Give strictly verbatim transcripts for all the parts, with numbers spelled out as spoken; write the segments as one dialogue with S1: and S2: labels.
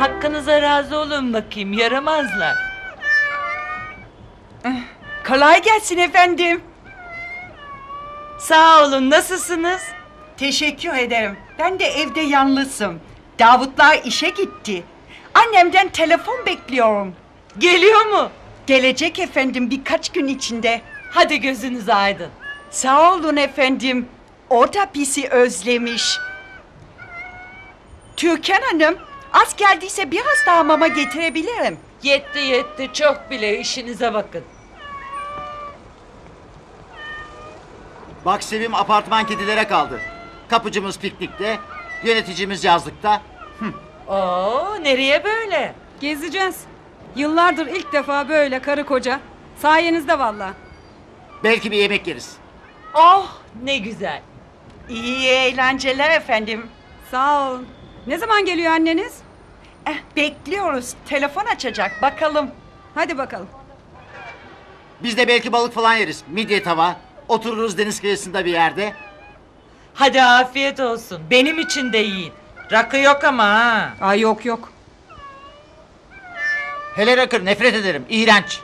S1: hakkınıza razı olun bakayım, yaramazlar.
S2: Kolay gelsin efendim.
S1: Sağ olun, nasılsınız?
S2: Teşekkür ederim. Ben de evde yalnızım. Davutlar işe gitti. Annemden telefon bekliyorum.
S1: Geliyor mu?
S2: Gelecek efendim birkaç gün içinde.
S1: Hadi gözünüz aydın.
S2: Sağ olun efendim. O da bizi özlemiş. Türkan Hanım, az geldiyse biraz daha mama getirebilirim.
S1: Yetti yetti, çok bile, işinize bakın.
S3: Bak Sevim, apartman kedilere kaldı. Kapıcımız piknikte, yöneticimiz yazlıkta.
S1: Oo, nereye böyle?
S4: Gezeceğiz. Yıllardır ilk defa böyle karı koca. Sayenizde valla.
S3: Belki bir yemek yeriz.
S1: Oh, ne güzel.
S2: İyi eğlenceler efendim.
S4: Sağ olun. Ne zaman geliyor anneniz?
S2: Eh, bekliyoruz. Telefon açacak. Bakalım.
S4: Hadi bakalım.
S3: Biz de belki balık falan yeriz. Midye tava. Otururuz deniz kıyısında bir yerde.
S1: Hadi afiyet olsun, benim için de yiyin. Rakı yok ama ha.
S4: Ay yok yok.
S3: Hele rakır, nefret ederim. İğrenç.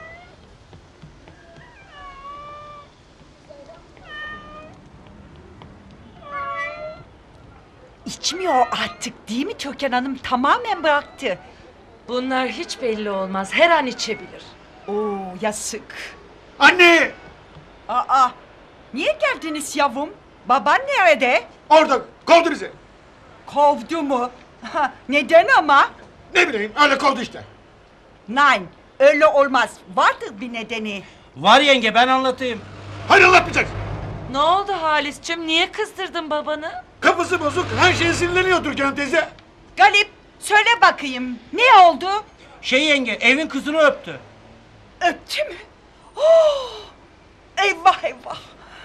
S2: İçmiyor artık değil mi Türkan Hanım? Tamamen bıraktı.
S1: Bunlar hiç belli olmaz, her an içebilir.
S2: Oo, yazık.
S5: Anne!
S2: Aa, niye geldiniz yavrum? Baban nerede?
S5: Orada kovdu bizi.
S2: Kovdu mu? Ha, neden ama?
S5: Ne bileyim öyle kovdu işte.
S2: Nein, öyle olmaz. Vardır bir nedeni.
S6: Var yenge, ben anlatayım.
S5: Hayır anlatmayacaksın.
S1: Ne oldu Halis'cim, niye kızdırdın babanı?
S5: Kafası bozuk, her şeye sinirleniyor Türkan teyze.
S2: Galip, söyle bakayım. Ne oldu?
S6: Şey yenge, evin kızını öptü.
S2: Öptü mü? Oh, eyvah eyvah.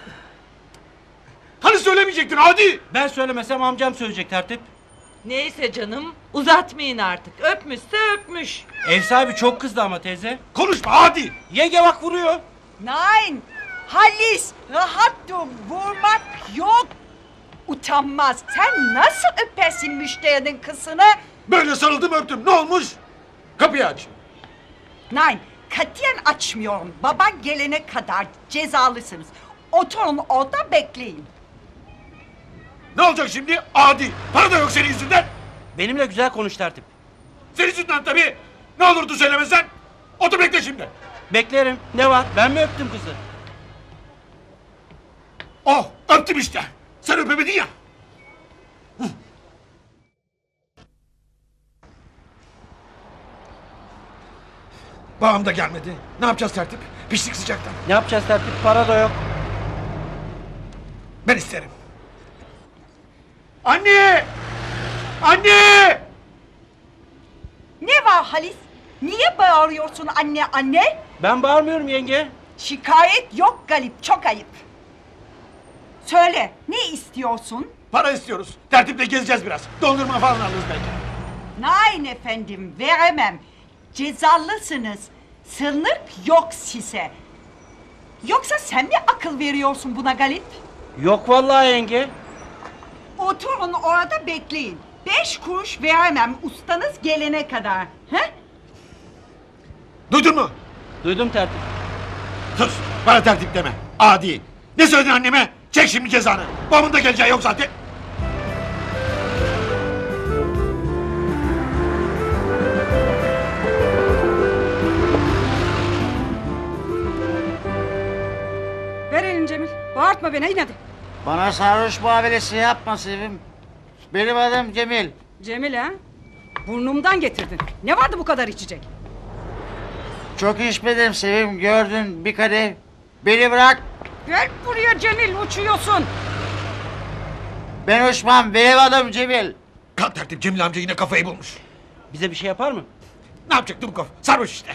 S5: Hani söylemeyecektin hadi.
S6: Ben söylemesem amcam söyleyecek tertip.
S1: Neyse canım, uzatmayın artık. Öpmüşse öpmüş.
S6: Ev sahibi çok kızdı ama teyze.
S5: Konuşma hadi.
S6: Yenge bak vuruyor.
S2: Nein, Halis, rahat dur. Vurmak yok. Utanmaz. Sen nasıl öpersin müşterinin kızını?
S5: Böyle sarıldım öptüm, ne olmuş? Kapıyı aç.
S2: Nein, katiyen açmıyorum. Baban gelene kadar cezalısınız. Oturun orada bekleyin.
S5: Ne olacak şimdi? Adi. Para da yok senin yüzünden.
S6: Benimle güzel konuş tertip.
S5: Senin yüzünden tabii. Ne olurdu söylemesen. Otur bekle şimdi.
S6: Beklerim. Ne var? Ben mi öptüm kızı?
S5: Oh öptüm işte. Sen öpemedin ya. Huh. Babam da gelmedi. Ne yapacağız tertip? Piştik sıcaktan.
S6: Ne yapacağız tertip? Para da yok.
S5: Ben isterim. Anne! Anne!
S2: Ne var Halis? Niye bağırıyorsun anne anne?
S6: Ben bağırmıyorum yenge.
S2: Şikayet yok Galip, çok ayıp. Söyle, ne istiyorsun?
S5: Para istiyoruz. Tertiple gezeceğiz biraz. Dondurma falan alırız belki.
S2: Nein efendim, veremem. Cezalısınız. Sınır yok size. Yoksa sen mi akıl veriyorsun buna Galip?
S6: Yok vallahi yenge.
S2: Oturun orada bekleyin. Beş kuruş veremem ustanız gelene kadar. He?
S5: Duydun mu?
S6: Duydum tertip.
S5: Sus. Bana tertip deme. Adi. Ne söyledin anneme? Çek şimdi cezanı. Babamın da geleceği yok zaten.
S4: Ver elini Cemil. Bağırtma beni in hadi.
S3: Bana sarhoş muamelesi yapma Sevim. Benim adım Cemil.
S4: Cemil ha? Burnumdan getirdin. Ne vardı bu kadar içecek?
S3: Çok içmedim Sevim, gördün bir kadeh. Beni bırak.
S4: Gel buraya Cemil, uçuyorsun.
S3: Ben uçmam, benim adım Cemil.
S5: Kalk tertip, Cemil amca yine kafayı bulmuş.
S6: Bize bir şey yapar mı?
S5: Ne yapacaktı bu kafa? Sarhoş işte.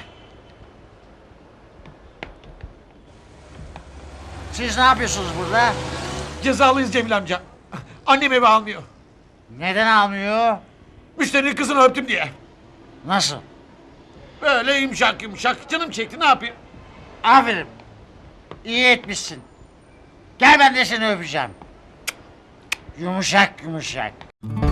S3: Siz ne yapıyorsunuz burada?
S5: Cezalıyız Cemil amca. Annem eve almıyor.
S3: Neden almıyor?
S5: Müşterinin kızını öptüm diye.
S3: Nasıl?
S5: Böyle yumuşak yumuşak. Canım çekti, ne yapayım?
S3: Aferin. İyi etmişsin. Gel ben de seni öpeceğim. Yumuşak yumuşak.